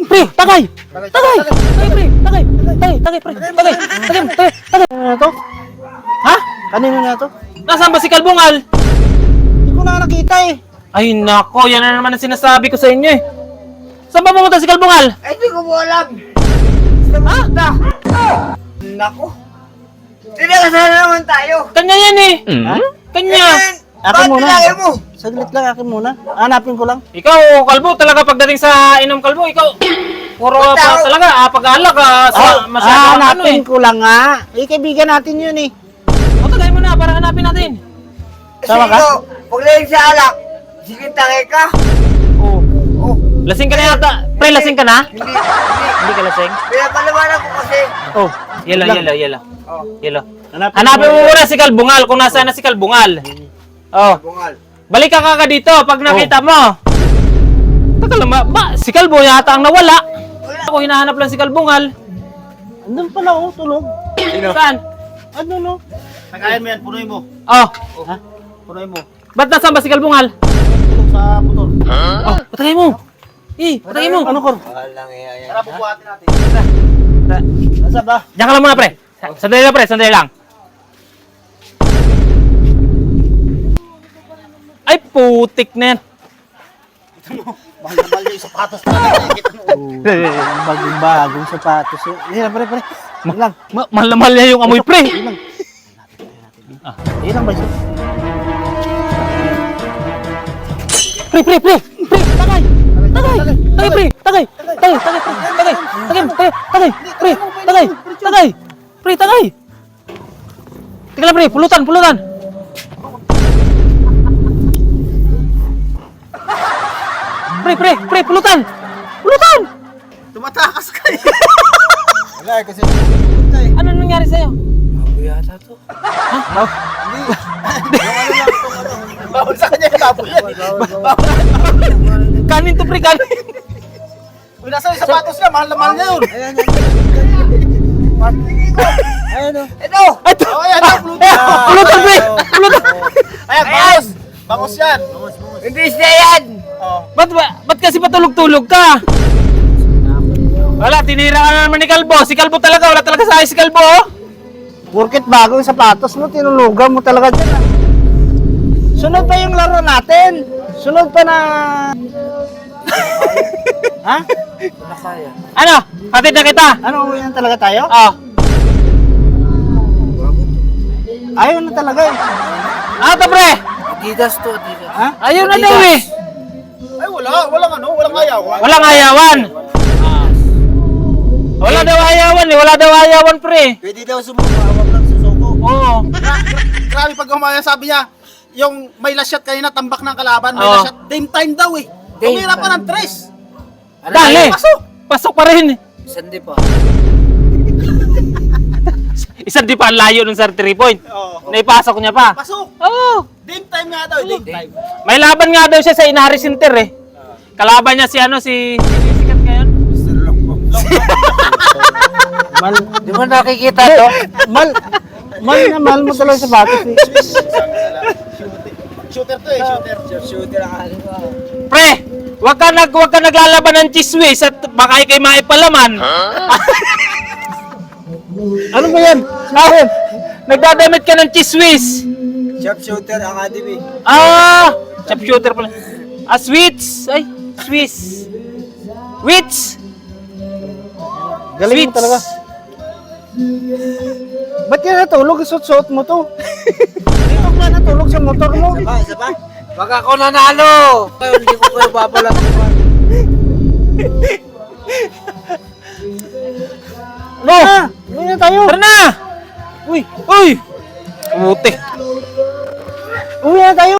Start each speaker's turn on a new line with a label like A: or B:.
A: Pre, tagay! Tagay! Tagay, pre! Tagay! Tagay, pre! Tagay! Tagay! Tagay! Kanino na to? Ha? Kanino na to?
B: Nasaan ba si Kalbungal?
A: Hindi ko na nakita eh.
B: Ay nako, yan na naman ang sinasabi ko sa inyo eh. Saan ba pumunta si Kalbungal?
C: Ay, hindi ko po alam.
B: Ha?
C: Naku. Tinakasana naman tayo.
B: Kanya yan eh. Kanya.
A: Akin muna.
C: Bakit mo?
A: Saglit lang, akin muna. Hanapin ko lang.
B: Ikaw, Kalbo, talaga pagdating sa inom Kalbo, ikaw, puro pa talaga, pag-alak masyado ano eh.
A: Hanapin ko lang nga. Eh, kaibigan natin yun eh.
B: O, tagay mo na para hanapin natin.
A: Tama ka?
C: Sige, pag laying sa alak, sige tangay ka.
B: Oh.
C: Oh,
B: Lasing ka na yata. Pre, lasing ka na?
C: hindi.
B: Hindi ka lasing?
C: Pinapalawanan ko kasi.
B: Oh, yelo.
C: Oh,
B: Yelo. Hanapin mo muna si Kalbungal kung nasaan na si Kalbungal. Oh,
C: bungal.
B: balik ka kaka dito pag nakita mo. Taka lang si Kalbo yata ang nawala. Ako hinahanap lang si Kalbungal.
A: Andun pala oh, tulog.
B: Saan?
A: Ano no?
D: Tagayan mo yan, punuin mo.
B: Oh,
A: Ha?
D: Punuin mo.
B: ba't nasaan ba si Kalbungal?
D: Tulog sa putol.
B: Oh, patay mo. Patay mo.
A: Ano ko?
C: Walang iya yan.
D: Tara, bubuhatin natin.
A: Nasa ba?
B: Diyan ka lang muna, pre. Sandali lang, pre. Sandali lang. Ay, putik na yan.
D: Mahal-mahal yung sapatos talaga. Kita mo.
A: Bagong sapatos. Hindi lang, pare. Hindi lang.
B: Mahal na mahal niya yung amoy, pre.
A: Hindi lang. Hindi lang ba siya?
B: Pre. Tagay. Pre. Tagay. Pre, tagay. Teka lang, pre. Pulutan. Pre, pulutan.
D: Tumatakas ka eh.
C: Wala, kasi
B: Ano nangyari sa'yo?
C: bago yata to.
D: Bawal sa kanya yung labo yan.
B: Kanin to, pre, kanin.
D: Kung nasa yung sapatos niya, mahal na mahal niya yun.
A: Ayun o.
C: Ito!
B: Ito.
D: Oh, ayan, pulutan.
B: Pulutan, pre. Pulutan.
D: Ayan, bangos. Bangos yan.
C: Hindi siya yan!
D: Oh.
B: Ba't kasi patulog-tulog ka? Wala, tinira ka na naman ni Kalbo. Si Kalbo talaga, wala talaga sa akin si Kalbo. Oh.
A: Porket bagong sapatos mo, tinulugan mo talaga dyan ah. Sunod pa yung laro natin. Sunod pa na... Ha?
C: Nakaya.
B: Ano? Hatid na kita.
A: Ano, uwi na talaga tayo?
B: Oh.
A: Ayaw na talaga eh.
B: Ito, pre.
C: Adidas to, Adidas.
A: Ha?
B: Ayaw na daw eh.
D: Ay, walang ayaw.
B: Walang ayawan. Wala daw ayawan eh. Wala daw ayawan, pre.
C: Pwede daw sumuka, huwag lang susuko.
B: Oo.
D: Grabe pag umaya, sabi niya, yung may last shot kanina, tambak ng kalaban, may
B: Oo.
D: last shot, game time daw eh.
C: Game
D: Tumira pa
C: time.
D: ng tres.
B: Dali.
D: Pasok.
B: Pasok pa rin.
C: Sandi pa.
B: Isang di pa ang layo ng 3 point.
D: Oo.
B: Naipasok niya pa.
D: Pasok.
B: Oo.
D: Game time nga daw, game time.
B: May laban nga daw siya sa Inari Center eh. Kalaban niya si sikat ngayon.
A: Mal,
C: Di mo nakikita to?
A: mal na mahal mo talaga yung sapatos eh.
D: Shooter to eh, shooter.
C: Shooter ang ano ba?
B: Pre, wag ka naglalaban ng chiswis at baka ikay maipalaman.
A: Ano ba yan?
B: Ah, nagdadamit ka ng chiswis.
C: Sharpshooter Academy.
B: Ah, chop shooter pala. Ah, sweets. Ay, Swiss. Wits.
A: Galing mo talaga. Ba't yan natulog? Suot-suot mo to. Dito ka natulog sa motor mo.
C: Isa pa? Wag ako nanalo! Hindi ko kayo babalat.
A: No! Uwi na tayo.
B: Tara na. Uy. Putik.
A: Uwi na tayo.